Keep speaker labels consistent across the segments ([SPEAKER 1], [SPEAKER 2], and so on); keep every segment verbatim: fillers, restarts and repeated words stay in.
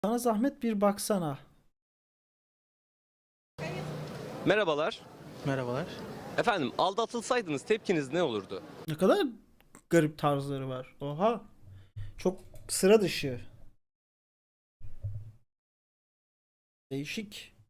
[SPEAKER 1] Sana zahmet bir baksana.
[SPEAKER 2] Merhabalar.
[SPEAKER 3] Merhabalar.
[SPEAKER 2] Efendim, aldatılsaydınız tepkiniz ne olurdu?
[SPEAKER 1] Ne kadar garip tarzları var. Oha. Çok sıra dışı. Değişik.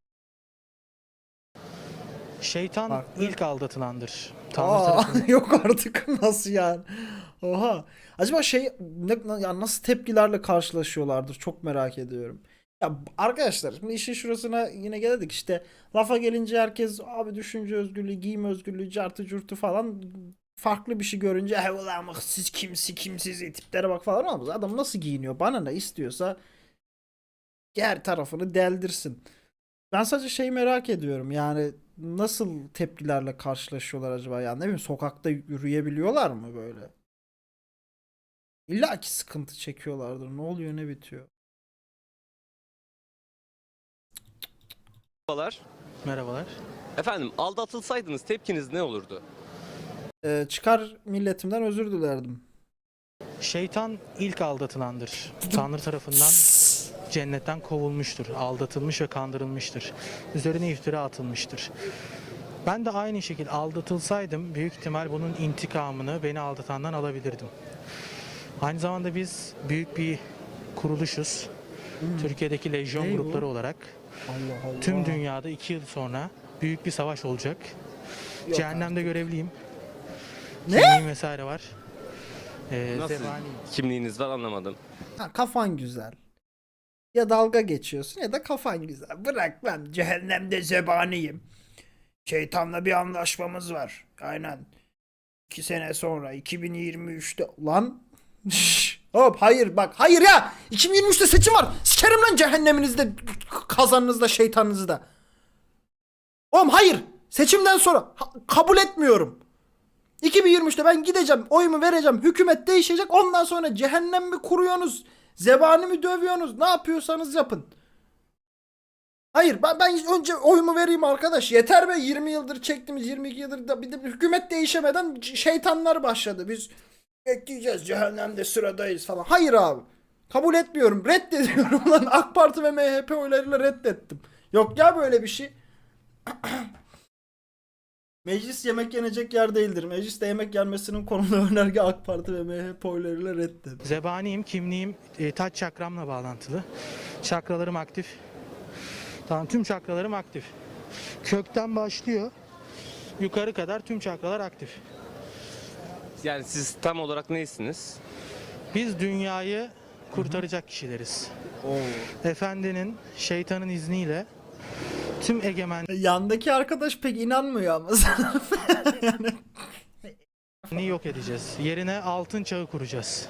[SPEAKER 3] Şeytan
[SPEAKER 1] Farklı.
[SPEAKER 3] ilk aldatılandır. Tanrı
[SPEAKER 1] Aa,
[SPEAKER 3] tarafından.
[SPEAKER 1] yok artık nasıl yani? Oha. Acaba şey ne, ya nasıl tepkilerle karşılaşıyorlardır çok merak ediyorum. Ya arkadaşlar şimdi işin şurasına yine geldik işte lafa gelince herkes abi düşünce özgürlüğü, giyim özgürlüğü, cartı curtu falan farklı bir şey görünce he ulan bak siz kimsi kimsiz tiplere bak falan olmaz. Adam nasıl giyiniyor bana ne istiyorsa her tarafını deldirsin. Ben sadece şeyi merak ediyorum yani nasıl tepkilerle karşılaşıyorlar acaba yani ne bileyim sokakta yürüyebiliyorlar mı böyle? İlla ki sıkıntı çekiyorlardır. Ne oluyor ne bitiyor?
[SPEAKER 2] Merhabalar.
[SPEAKER 3] Merhabalar.
[SPEAKER 2] Efendim, aldatılsaydınız tepkiniz ne olurdu?
[SPEAKER 1] Ee, çıkar milletimden özür dilerdim.
[SPEAKER 3] Şeytan ilk aldatılandır. Tanrı tarafından cennetten kovulmuştur. Aldatılmış ve kandırılmıştır. Üzerine iftira atılmıştır. Ben de aynı şekilde aldatılsaydım büyük ihtimal bunun intikamını beni aldatandan alabilirdim. Aynı zamanda biz büyük bir kuruluşuz. Türkiye'deki lejyon
[SPEAKER 1] Ne bu?
[SPEAKER 3] grupları olarak
[SPEAKER 1] Allah Allah.
[SPEAKER 3] tüm dünyada iki yıl sonra büyük bir savaş olacak.
[SPEAKER 1] Yok
[SPEAKER 3] Cehennemde
[SPEAKER 1] artık.
[SPEAKER 3] görevliyim.
[SPEAKER 1] Ne?
[SPEAKER 3] Kimliğim vesaire var. Ee,
[SPEAKER 2] Nasıl
[SPEAKER 3] zebaniyim.
[SPEAKER 2] kimliğiniz var anlamadım.
[SPEAKER 1] Ha, kafan güzel. Ya dalga geçiyorsun ya da kafan güzel. Bırak ben cehennemde zebaniyim. Şeytanla bir anlaşmamız var. Aynen. İki sene sonra iki bin yirmi üçte lan Şşş! Hop hayır bak hayır ya iki bin yirmi üçte seçim var. Sikerim lan cehenneminizde kazanınızda şeytanınızda. Oğlum hayır seçimden sonra ha- kabul etmiyorum. iki bin yirmi üçte ben gideceğim oyumu vereceğim hükümet değişecek ondan sonra cehennem mi kuruyorsunuz zebani mi dövüyorsunuz ne yapıyorsanız yapın. Hayır ben, ben önce oyumu vereyim arkadaş. Yeter be yirmi yıldır çektiğimiz yirmi iki yıldır da bir de hükümet değişemeden şeytanlar başladı. Biz bekleyeceğiz cehennemde sıradayız falan. Hayır abi. Kabul etmiyorum. Reddediyorum lan. AK Parti ve M H P oylarıyla reddettim. Yok ya böyle bir şey. Meclis yemek yenecek yer değildir. Mecliste yemek yenmesinin konulu önerge AK Parti ve M H P oylarıyla reddet.
[SPEAKER 3] Zebaniyim, kimliğim e, taç çakramla bağlantılı. Çakralarım aktif. Tamam, tüm çakralarım aktif. Kökten başlıyor. Yukarı kadar tüm çakralar aktif.
[SPEAKER 2] Yani siz tam olarak neysiniz?
[SPEAKER 3] Biz dünyayı kurtaracak kişileriz.
[SPEAKER 1] Oo.
[SPEAKER 3] Efendinin, şeytanın izniyle tüm egemenliği
[SPEAKER 1] Yandaki arkadaş pek inanmıyor ama sana. Yani
[SPEAKER 3] yok edeceğiz. Yerine altın çağı kuracağız.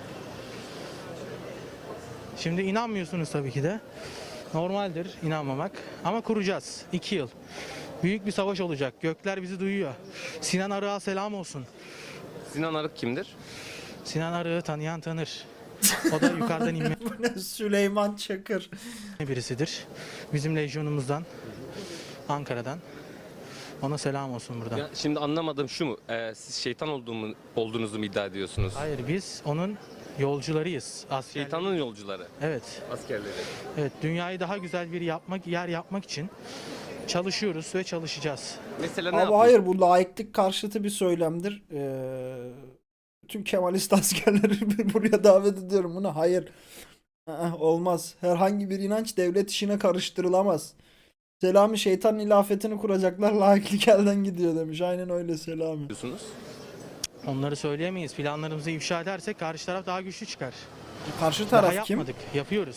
[SPEAKER 3] Şimdi inanmıyorsunuz tabii ki de. Normaldir inanmamak. Ama kuracağız. İki yıl. Büyük bir savaş olacak. Gökler bizi duyuyor. Sinan Arık'a selam olsun.
[SPEAKER 2] Sinan Arık kimdir?
[SPEAKER 3] Sinan Arık'ı tanıyan tanır. O da yukarıdan inme
[SPEAKER 1] bu ne Süleyman Çakır.
[SPEAKER 3] birisidir. Bizim lejyonumuzdan, Ankara'dan. Ona selam olsun buradan.
[SPEAKER 2] Ya şimdi anlamadım şu mu? Ee, siz şeytan olduğumu, olduğunuzu mu iddia ediyorsunuz?
[SPEAKER 3] Hayır, biz onun yolcularıyız. Askerleri.
[SPEAKER 2] Şeytanın yolcuları,
[SPEAKER 3] Evet.
[SPEAKER 2] askerleri.
[SPEAKER 3] Evet, dünyayı daha güzel bir yapmak, yer yapmak için çalışıyoruz ve çalışacağız.
[SPEAKER 2] Mesela ne
[SPEAKER 1] Abi
[SPEAKER 2] yapıyorsunuz?
[SPEAKER 1] hayır bu laiklik karşıtı bir söylemdir. Ee, tüm Kemalist askerleri buraya davet ediyorum buna. Hayır. Aa, olmaz. Herhangi bir inanç devlet işine karıştırılamaz. Selami şeytan ilafetini kuracaklar laiklik elden gidiyor demiş. Aynen öyle Selami.
[SPEAKER 3] Onları söyleyemeyiz. Planlarımızı ifşa edersek karşı taraf daha güçlü çıkar.
[SPEAKER 1] Karşı
[SPEAKER 3] Daha
[SPEAKER 1] taraf kim?
[SPEAKER 3] yapmadık, yapıyoruz.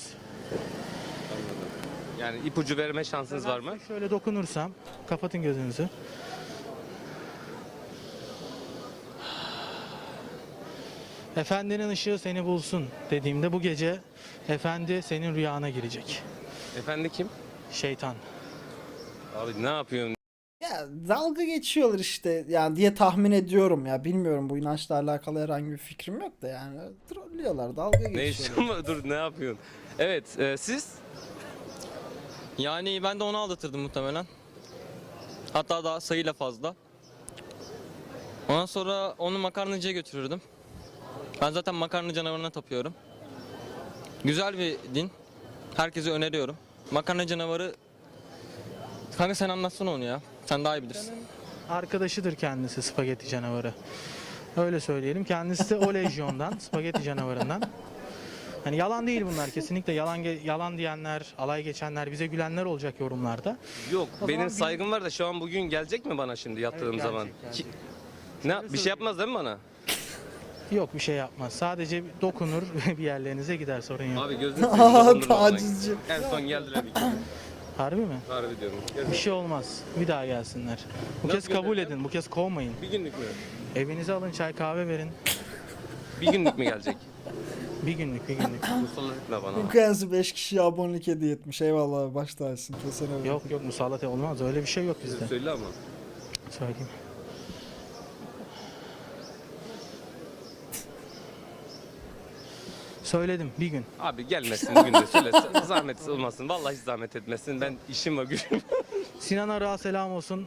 [SPEAKER 2] Yani ipucu verme şansınız var mı?
[SPEAKER 3] Şöyle dokunursam, kapatın gözünüzü. Efendinin ışığı seni bulsun dediğimde bu gece efendi senin rüyana girecek.
[SPEAKER 2] Efendi kim?
[SPEAKER 3] Şeytan.
[SPEAKER 2] Abi ne yapıyorsun?
[SPEAKER 1] Ya dalga geçiyorlar işte yani diye tahmin ediyorum ya. Bilmiyorum bu inançla alakalı herhangi bir fikrim yok da yani. Trollüyorlar, dalga
[SPEAKER 2] Ne
[SPEAKER 1] geçiyorlar.
[SPEAKER 2] işin var? Dur ne yapıyorsun? Evet, e, siz?
[SPEAKER 4] Yani ben de onu aldatırdım muhtemelen. Hatta daha sayıyla fazla. Ondan sonra onu makarnacıya götürürdüm. Ben zaten makarna canavarına tapıyorum. Güzel bir din. Herkese öneriyorum. Makarna canavarı... Kanka sen anlatsana onu ya. Sen daha iyi bilirsin.
[SPEAKER 3] Arkadaşıdır kendisi spagetti canavarı. Öyle söyleyelim. Kendisi de o lejyondan, spagetti canavarından. Hani yalan değil bunlar, kesinlikle yalan ge- yalan diyenler, alay geçenler, bize gülenler olacak yorumlarda.
[SPEAKER 2] Yok
[SPEAKER 3] O
[SPEAKER 2] benim
[SPEAKER 3] zaman bir-
[SPEAKER 2] saygım var da şu an bugün gelecek mi bana şimdi yattığım
[SPEAKER 3] Evet,
[SPEAKER 2] zaman?
[SPEAKER 3] gelecek, gelecek.
[SPEAKER 2] Ki- ne bir şey yapmaz değil mi bana?
[SPEAKER 3] Yok, bir şey yapmaz. Sadece dokunur bir yerlerinize gider, sorun yok.
[SPEAKER 2] Abi gözünü
[SPEAKER 1] Aa,
[SPEAKER 2] seveyim, dokundurma bana.
[SPEAKER 1] tacizci.
[SPEAKER 2] En son geldiler bir kere.
[SPEAKER 3] Harbi mi?
[SPEAKER 2] Harbi diyorum.
[SPEAKER 3] Bir şey olmaz. Bir daha gelsinler. Bu
[SPEAKER 2] Nasıl
[SPEAKER 3] kez kabul
[SPEAKER 2] göndereceğim?
[SPEAKER 3] edin. Bu kez kovmayın.
[SPEAKER 2] Bir günlük mü?
[SPEAKER 3] Evinize alın, çay kahve verin.
[SPEAKER 2] Bir günlük mü gelecek?
[SPEAKER 3] Bir günlük, bir günlük.
[SPEAKER 2] Musallat etme bana.
[SPEAKER 1] Ukraynası beş kişiye abonelik hediye etmiş. Eyvallah abi, baş tacısın. Kesene bak.
[SPEAKER 3] Yok yok, musallat olmaz. Öyle bir şey yok bizde.
[SPEAKER 2] Söyle ama.
[SPEAKER 3] Söyleyeyim. Söyledim bir gün.
[SPEAKER 2] Abi gelmesin bugün de söyle. Zahmet olmasın. Vallahi hiç zahmet etmesin. Ben işim var gücüm.
[SPEAKER 3] Sinan Arık'a selam olsun.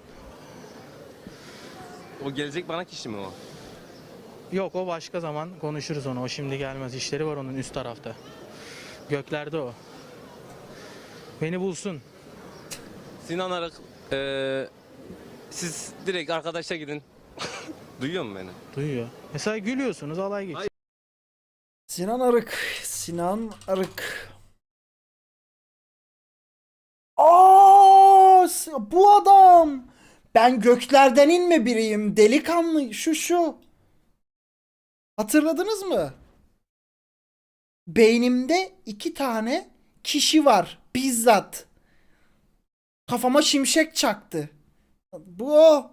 [SPEAKER 2] O gelecek bana kişi mi o?
[SPEAKER 3] Yok, o başka zaman konuşuruz onu. O şimdi gelmez. İşleri var onun üst tarafta. Göklerde o. Beni bulsun.
[SPEAKER 2] Sinan Arık. eee, siz direkt arkadaşa gidin. Duyuyor musun beni?
[SPEAKER 3] Duyuyor. Mesela gülüyorsunuz, alay geçiyor.
[SPEAKER 2] Hayır.
[SPEAKER 1] Sinan Arık. Sinan Arık. Aa, s- bu adam. Ben göklerden inme biriyim. Delikanlı şu şu. Hatırladınız mı? Beynimde iki tane kişi var. Bizzat. Kafama şimşek çaktı. Bu o.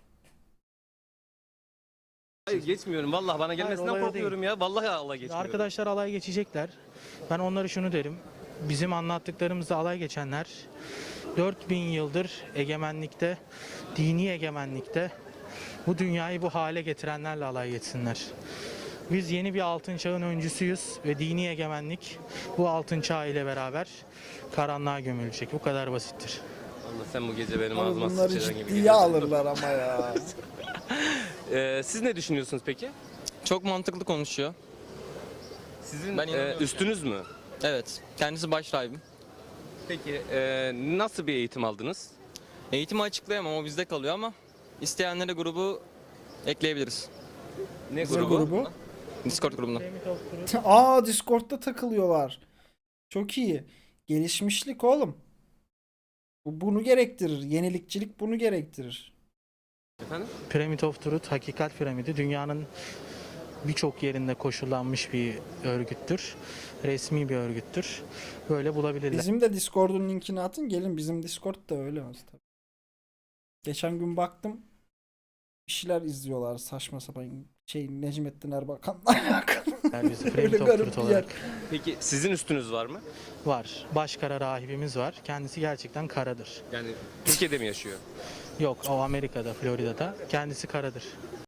[SPEAKER 2] Hayır geçmiyorum. Vallahi bana
[SPEAKER 3] olay
[SPEAKER 2] gelmesinden
[SPEAKER 3] o
[SPEAKER 2] korkuyorum ya. Vallahi Allah geçmiyorum.
[SPEAKER 3] Arkadaşlar alay geçecekler. Ben onlara şunu derim. Bizim anlattıklarımızda alay geçenler dört bin yıldır egemenlikte, dini egemenlikte bu dünyayı bu hale getirenlerle alay geçsinler. Biz yeni bir altın çağın öncüsüyüz ve dini egemenlik bu altın çağ ile beraber karanlığa gömülecek. Bu kadar basittir.
[SPEAKER 2] Allah sen bu gece benim
[SPEAKER 1] Abi
[SPEAKER 2] ağzıma
[SPEAKER 1] bunları
[SPEAKER 2] sıçrayan gibi
[SPEAKER 1] ciddiye
[SPEAKER 2] geliyorsun.
[SPEAKER 1] alırlar ama ya.
[SPEAKER 2] Eee, siz ne düşünüyorsunuz peki?
[SPEAKER 4] Çok mantıklı konuşuyor.
[SPEAKER 2] Sizin
[SPEAKER 4] Ben
[SPEAKER 2] eee,
[SPEAKER 4] inanıyorum
[SPEAKER 2] üstünüz mü?
[SPEAKER 4] Evet. Kendisi baş rahibim.
[SPEAKER 2] Peki eee, nasıl bir eğitim aldınız?
[SPEAKER 4] Eğitimi açıklayamam, o bizde kalıyor ama isteyenlere grubu ekleyebiliriz.
[SPEAKER 2] Ne
[SPEAKER 1] Ne
[SPEAKER 2] grubu?
[SPEAKER 1] grubu?
[SPEAKER 4] Discord grubuna.
[SPEAKER 1] Aa, Discord'da takılıyorlar. Çok iyi. Gelişmişlik oğlum. Bu bunu gerektirir. Yenilikçilik bunu gerektirir.
[SPEAKER 2] Efendim?
[SPEAKER 3] Pyramid of Truth, Hakikat Piramidi dünyanın birçok yerinde koşullanmış bir örgüttür. Resmi bir örgüttür. Böyle bulabilirler.
[SPEAKER 1] Bizim de Discord'un linkini atın. Gelin, bizim Discord da öyle olsun tabii. Geçen gün baktım. Bir şeyler izliyorlar saçma sapan. Şey, Necmettin Erbakan'la alakalı.
[SPEAKER 3] Biz
[SPEAKER 1] Öyle
[SPEAKER 3] Pyramid of
[SPEAKER 1] garip
[SPEAKER 3] Truth
[SPEAKER 1] bir yer.
[SPEAKER 3] olarak
[SPEAKER 2] Peki sizin üstünüz var mı?
[SPEAKER 3] var. Başkara rahibimiz var. Kendisi gerçekten karadır.
[SPEAKER 2] Yani Türkiye'de mi yaşıyor?
[SPEAKER 3] Yok, o Amerika'da, Florida'da. Kendisi karadır.